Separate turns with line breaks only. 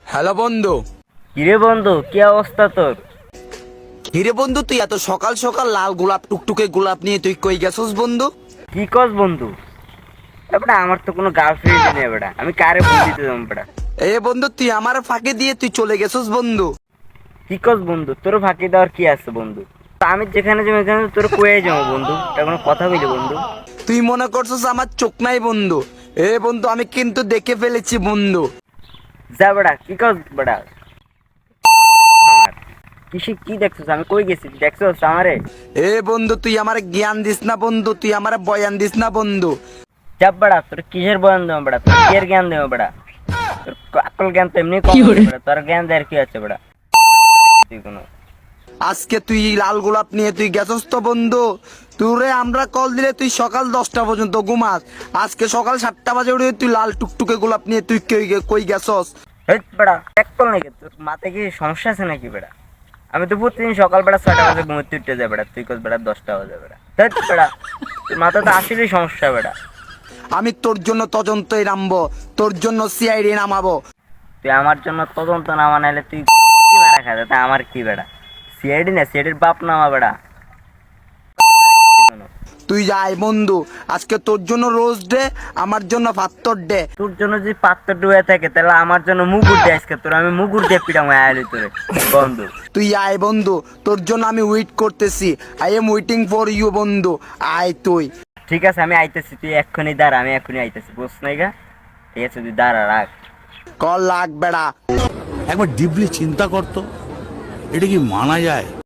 Hello বন্ধু।
কিরে বন্ধু, কি অবস্থা তোর?
হিরে বন্ধু, তুই এত সকাল সকাল লাল গোলাপ টুকটুকে গোলাপ নিয়ে তুই কই গেছস বন্ধু?
কি কস বন্ধু? এবারে আমার তো কোনো গার্লফ্রেন্ড নেই বেটা, আমি কারে ফোন দিতে যাবো বেটা?
এ বন্ধু, তুই আমার ফাঁকে দিয়ে তুই চলে গেছস বন্ধু।
কি কস বন্ধু? তোর ফাঁকি দেওয়ার কি আছে বন্ধু? তা আমি যেখানে যাবো ওখানে তোর কয়ে যাবো বন্ধু, এটা কোনো কথা বলি বন্ধু?
তুই মনে করছস আমার চোখ নাই বন্ধু? এ বন্ধু, আমি কিন্তু দেখে ফেলেছি বন্ধু।
যা বেটা, কি কস বেটা? আমার কি দেখছস? আমি কই গেছি দেখছস আমারে?
এ বন্ধু, তুই আমার জ্ঞান দিস না বন্ধু, তুই আমার বয়ান দিস না বন্ধু।
চাপ বেটা, তোর কিসের বয়ান দেবো বেটা? তোর কিয়ের জ্ঞান দেবো বেটা? তোর আকল জ্ঞান তো এমনি কম বেটা, তোর জ্ঞান দেওয়ার কি আছে বেটা? তুই কোনো
আজকে তুই লাল গোলাপ নিয়ে তুই গেছস তো বন্ধু। তোরে আমরা কল দিলে তুই সকাল 10টা পর্যন্ত ঘুমাস। আজকে সকাল 7টা বাজে উঠে তুই লাল টুকটুকে গোলাপ নিয়ে তুই কই গেছস?
হেৎ বেটা, এক কল নাকি তোর মাথায় কি সমস্যা আছে নাকি বেটা? আমি তো প্রতিদিন সকালবেলা 6টা বাজে ঘুমোতে উঠতে যাই বেটা, তুই কস বেটা 10টা বাজে বেটা? হেৎ বেটা, তোর মাথা তো আসলেই সমস্যা বেটা।
আমি তোর জন্য তদন্তই নামবো, তোর জন্য সিআইডি নামাবো।
তুই আমার জন্য তদন্ত না মানাইলে তুই কি মারা খাবে? তা আমার কি বেটা? সিআইডি না, সিআইডির বাপ নামা বেটা।
তুই যাই বন্ধু, আজকে তোর জন্য রোজ ডে, আমার জন্য ফাত্তর ডে।
তোর জন্য যদি পাত্র ডুবে থাকে তাহলে আমার জন্য মুগুর দিয়ে আজকে তোর আমি মুগুর দিয়ে পিটাম আয়ালি তোরে বন্ধু।
তুই আয় বন্ধু, তোর জন্য আমি ওয়েট করতেছি। I am waiting for you বন্ধু, আয় তুই।
ঠিক আছে, আমি আইতেছি, তুই এক্ষুনি দাঁড়া, আমি এক্ষুনি আইতেছি, বুঝ নাই গা? ঠিক আছে, তুই দাঁড়া, রাখ।
কল লাগ বেড়া।
একবার ডিপলি চিন্তা করতো, এটা কি মানা যায়?